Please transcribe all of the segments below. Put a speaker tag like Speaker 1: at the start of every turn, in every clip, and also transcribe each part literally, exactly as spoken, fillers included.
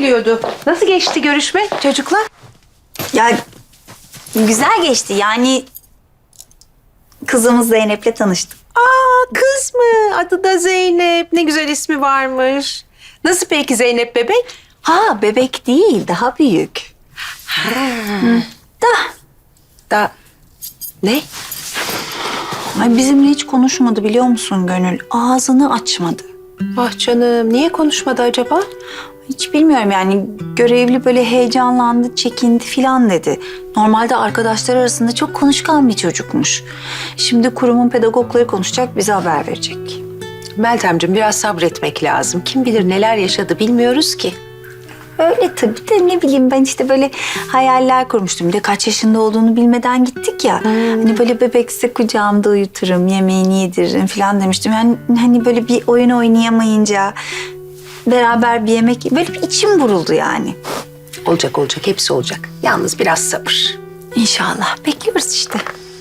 Speaker 1: geliyordu. Nasıl geçti görüşme çocuklar?
Speaker 2: Ya güzel geçti yani kızımız Zeynep'le tanıştık.
Speaker 1: Aa, kız mı? Adı da Zeynep. Ne güzel ismi varmış. Nasıl peki Zeynep bebek?
Speaker 2: Ha bebek değil daha büyük. Hı. Da
Speaker 1: Da ne?
Speaker 2: ay bizimle hiç konuşmadı biliyor musun Gönül? Ağzını açmadı.
Speaker 1: Ah canım, niye konuşmadı acaba?
Speaker 2: Hiç bilmiyorum yani görevli böyle heyecanlandı, çekindi filan dedi. Normalde arkadaşlar arasında çok konuşkan bir çocukmuş. Şimdi kurumun pedagogları konuşacak, bize haber verecek.
Speaker 1: Meltemciğim biraz sabretmek lazım. Kim bilir neler yaşadı bilmiyoruz ki.
Speaker 2: Öyle tabii de ne bileyim ben işte böyle hayaller kurmuştum. Bir de kaç yaşında olduğunu bilmeden gittik ya. Hani böyle bebekse kucağımda uyuturum, yemeğini yediririm falan demiştim. Yani hani böyle bir oyun oynayamayınca beraber bir yemek böyle bir içim buruldu yani.
Speaker 1: Olacak olacak, hepsi olacak. Yalnız biraz sabır.
Speaker 2: İnşallah. Bekliyoruz işte.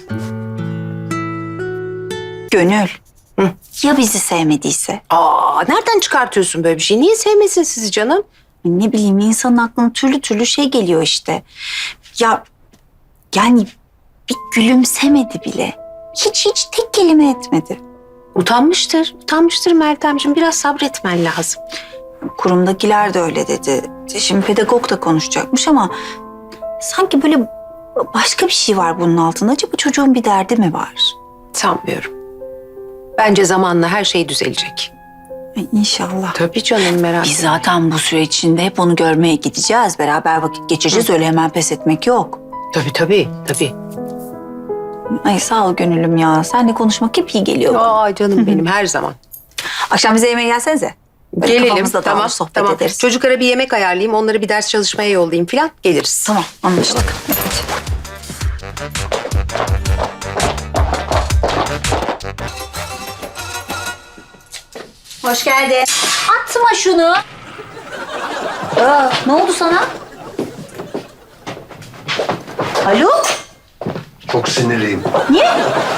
Speaker 2: Gönül.
Speaker 1: Hı.
Speaker 2: Ya bizi sevmediyse?
Speaker 1: Aa, nereden çıkartıyorsun böyle bir şey? Niye sevmesin sizi canım?
Speaker 2: Ne bileyim insanın aklına türlü türlü şey geliyor işte. Ya yani bir gülümsemedi bile. Hiç hiç tek kelime etmedi.
Speaker 1: Utanmıştır, utanmıştır Meltemciğim. Biraz sabretmen lazım.
Speaker 2: Kurumdakiler de öyle dedi. Şimdi pedagog da konuşacakmış ama sanki böyle başka bir şey var bunun altında. Acaba çocuğun bir derdi mi var?
Speaker 1: Sanmıyorum. Bence zamanla her şey düzelecek.
Speaker 2: Ay, İnşallah.
Speaker 1: Tabii canım, merak
Speaker 2: Biz
Speaker 1: etme.
Speaker 2: zaten bu süre içinde hep onu görmeye gideceğiz. Beraber vakit geçireceğiz. Öyle hemen pes etmek yok.
Speaker 1: Tabii tabii, tabii.
Speaker 2: Ay sağ ol gönülüm ya. Seninle konuşmak hep iyi geliyor bana.
Speaker 1: Aa canım benim, her zaman.
Speaker 2: Akşam bize yemeğe gelsenize. Böyle
Speaker 1: Gelelim,
Speaker 2: kafamızda
Speaker 1: tamam,
Speaker 2: dağılır, sohbet
Speaker 1: tamam.
Speaker 2: ederiz.
Speaker 1: Çocuklara bir yemek ayarlayayım, onları bir ders çalışmaya yollayayım falan, geliriz.
Speaker 2: Tamam anlaştık. Hoş geldin. Atma şunu. Aa, ne oldu sana? Haluk?
Speaker 3: Çok sinirliyim.
Speaker 2: Niye?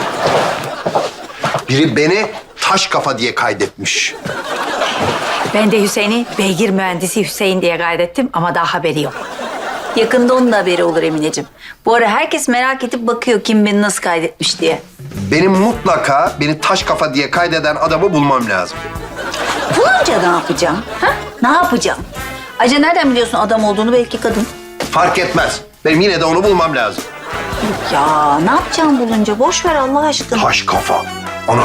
Speaker 3: Biri beni taş kafa diye kaydetmiş.
Speaker 4: Ben de Hüseyin'i beygir mühendisi Hüseyin diye kaydettim ama daha haberi yok.
Speaker 2: Yakında onun da haberi olur Emineciğim. Bu ara herkes merak edip bakıyor kim beni nasıl kaydetmiş diye.
Speaker 3: Benim mutlaka beni taş kafa diye kaydeden adamı bulmam lazım.
Speaker 2: Bulunca ne yapacağım? Ha? Ne yapacağım? Ayrıca nereden biliyorsun adam olduğunu, belki kadın?
Speaker 3: Fark etmez. Benim yine de onu bulmam lazım.
Speaker 2: Ya ne yapacağım bulunca? Boş ver Allah aşkına.
Speaker 3: Taş kafa. Ana.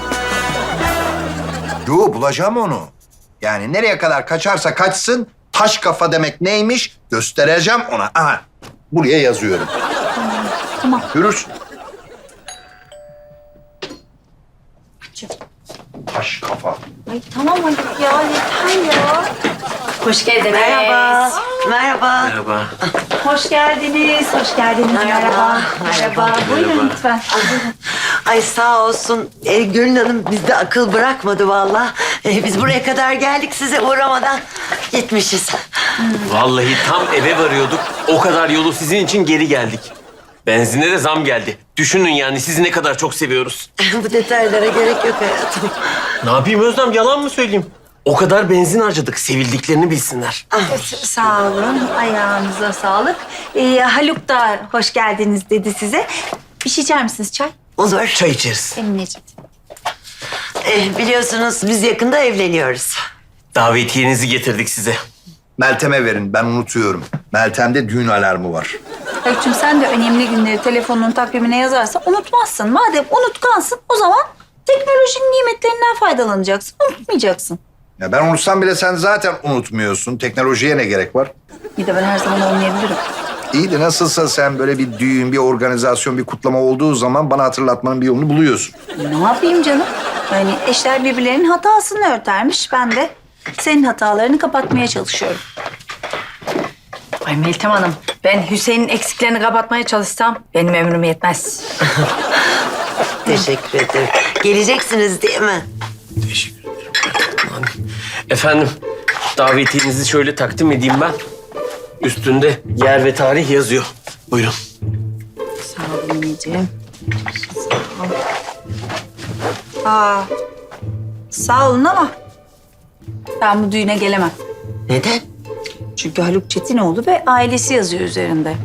Speaker 3: Yo, bulacağım onu. Yani nereye kadar kaçarsa kaçsın, taş kafa demek neymiş göstereceğim ona. Aha, buraya yazıyorum.
Speaker 2: Tamam.
Speaker 3: Görürsün. Taş kafa.
Speaker 2: Ay tamam Haluk ya yeter ya.
Speaker 4: Hoş geldiniz.
Speaker 5: Merhaba. Merhaba.
Speaker 6: Merhaba.
Speaker 2: Hoş geldiniz, hoş geldiniz.
Speaker 5: Merhaba.
Speaker 2: Merhaba. Buyurun lütfen.
Speaker 5: Ay sağ olsun. E, Gönül Hanım bizde akıl bırakmadı vallahi. E, biz buraya kadar geldik size uğramadan gitmişiz.
Speaker 6: Vallahi tam eve varıyorduk. O kadar yolu sizin için geri geldik. Benzine de zam geldi. Düşünün yani sizi ne kadar çok seviyoruz.
Speaker 5: Bu detaylara gerek yok hayatım.
Speaker 6: Ne yapayım Özlem, yalan mı söyleyeyim? O kadar benzin harcadık, sevildiklerini bilsinler.
Speaker 2: Sağ olun, ayağınıza sağlık. Ee, Haluk da hoş geldiniz dedi size. Bir şey içer misiniz çay?
Speaker 5: Olur.
Speaker 6: Çay içeriz.
Speaker 2: Emineciğim.
Speaker 5: E, biliyorsunuz biz yakında evleniyoruz.
Speaker 6: Davetiyenizi getirdik size.
Speaker 3: Meltem'e verin, ben unutuyorum. Meltem'de düğün alarmı var.
Speaker 2: Haluk'cum sen de önemli günleri telefonun takvimine yazarsan unutmazsın. Madem unutkansın o zaman teknolojinin nimetlerinden faydalanacaksın. Unutmayacaksın.
Speaker 3: Ya ben unutsam bile sen zaten unutmuyorsun. Teknolojiye ne gerek var?
Speaker 2: Bir de ben her zaman olmayabilirim.
Speaker 3: İyi de nasılsa sen böyle bir düğün, bir organizasyon, bir kutlama olduğu zaman bana hatırlatmanın bir yolunu buluyorsun.
Speaker 2: Ne yapayım canım? Yani eşler birbirlerinin hatasını örtermiş. Ben de senin hatalarını kapatmaya çalışıyorum.
Speaker 4: Ay Meltem Hanım, ben Hüseyin'in eksiklerini kapatmaya çalışsam benim ömrüm yetmez.
Speaker 5: Teşekkür ederim. Geleceksiniz değil mi?
Speaker 6: Teşekkür ederim. Efendim, davetiyenizi şöyle takdim edeyim ben. Üstünde yer ve tarih yazıyor. Buyurun.
Speaker 2: Sağ ol anneciğim. Aa, sağ olun ama ben bu düğüne gelemem.
Speaker 5: Neden?
Speaker 2: Çünkü Haluk Çetinoğlu ve ailesi yazıyor üzerinde.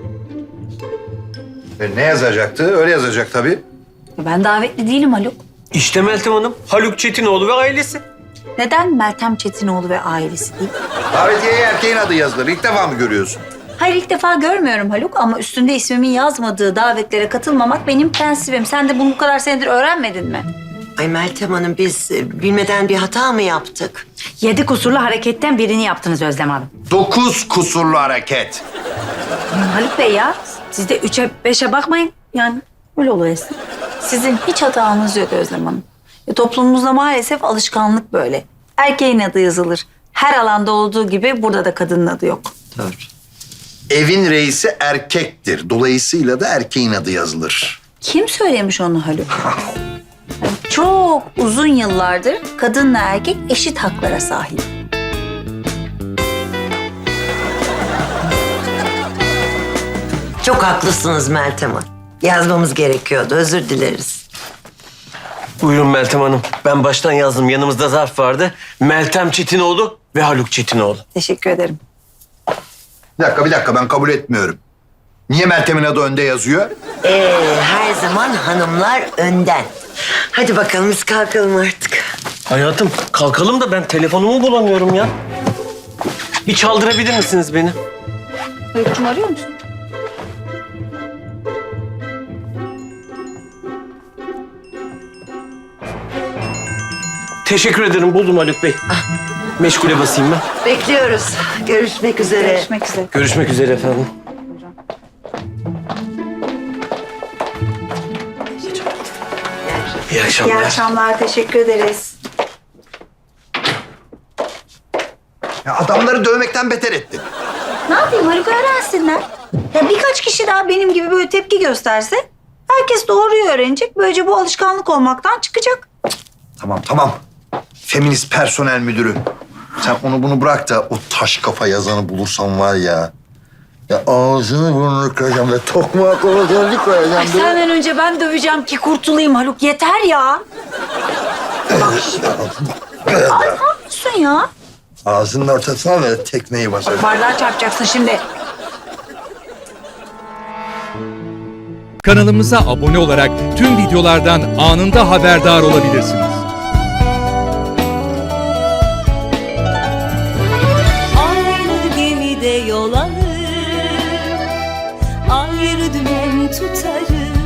Speaker 3: E, ne yazacaktı? Öyle yazacak tabii.
Speaker 2: Ya ben davetli değilim Haluk.
Speaker 6: İşte Meltem Hanım, Haluk Çetinoğlu ve ailesi.
Speaker 2: Neden Meltem Çetinoğlu ve ailesi değil?
Speaker 3: Davetiyeye erkeğin adı yazılır. İlk defa mı görüyorsun?
Speaker 2: Hayır, ilk defa görmüyorum Haluk ama üstünde ismimin yazmadığı davetlere katılmamak benim prensibim. Sen de bunu bu kadar senedir öğrenmedin mi?
Speaker 5: Ay Meltem Hanım biz e, bilmeden bir hata mı yaptık?
Speaker 4: Yedi kusurlu hareketten birini yaptınız Özlem Hanım.
Speaker 3: Dokuz kusurlu hareket.
Speaker 4: Haluk Bey ya, siz de üçe beşe bakmayın. Yani öyle oluyor Esin.
Speaker 2: Sizin hiç hatanız yok Özlem Hanım. Ya, toplumumuzda maalesef alışkanlık böyle. Erkeğin adı yazılır. Her alanda olduğu gibi burada da kadının adı yok.
Speaker 5: Doğru.
Speaker 3: Evin reisi erkektir. Dolayısıyla da erkeğin adı yazılır.
Speaker 2: Kim söylemiş onu Haluk? Yani çok uzun yıllardır kadınla erkek eşit haklara sahip.
Speaker 5: Çok haklısınız Meltem Hanım. Yazmamız gerekiyordu. Özür dileriz.
Speaker 6: Buyurun Meltem Hanım. Ben baştan yazdım. Yanımızda zarf vardı. Meltem Çetinoğlu ve Haluk Çetinoğlu.
Speaker 2: Teşekkür ederim.
Speaker 3: Bir dakika, bir dakika. Ben kabul etmiyorum. Niye Meltem'in adı önde yazıyor?
Speaker 5: Ee, her zaman hanımlar önden. Hadi bakalım biz kalkalım artık.
Speaker 6: Hayatım kalkalım da ben telefonumu bulamıyorum ya. Bir çaldırabilir misiniz beni?
Speaker 2: Haluk'cum arıyor musun?
Speaker 6: Teşekkür ederim. Buldum Haluk Bey. Meşgule basayım ben.
Speaker 5: Bekliyoruz. Görüşmek üzere.
Speaker 2: Görüşmek üzere.
Speaker 6: Görüşmek üzere efendim. İyi akşamlar.
Speaker 2: İyi akşamlar, teşekkür ederiz.
Speaker 3: Ya adamları dövmekten beter ettin.
Speaker 2: Ne yapayım Haluk, öğrensinler. Ya birkaç kişi daha benim gibi böyle tepki gösterse herkes doğruyu öğrenecek. Böylece bu alışkanlık olmaktan çıkacak.
Speaker 3: Tamam, tamam. Feminist personel müdürü. Sen onu bunu bırak da o taş kafa yazanı bulursan var ya. Ya ağzını burnunu kıracağım ve tokmağa koyacağım, bir koyacağım.
Speaker 2: Ay senden önce ben döveceğim ki kurtulayım Haluk. Yeter ya. Bak şimdi. Ay ne yapıyorsun ya?
Speaker 3: Ağzının ortasına ver tekmeyi basar.
Speaker 2: Bardağı çarpacaksın şimdi.
Speaker 7: Kanalımıza abone olarak tüm videolardan anında haberdar olabilirsiniz.
Speaker 8: Aynı gemide yol alır, ayrı dümen tutarız.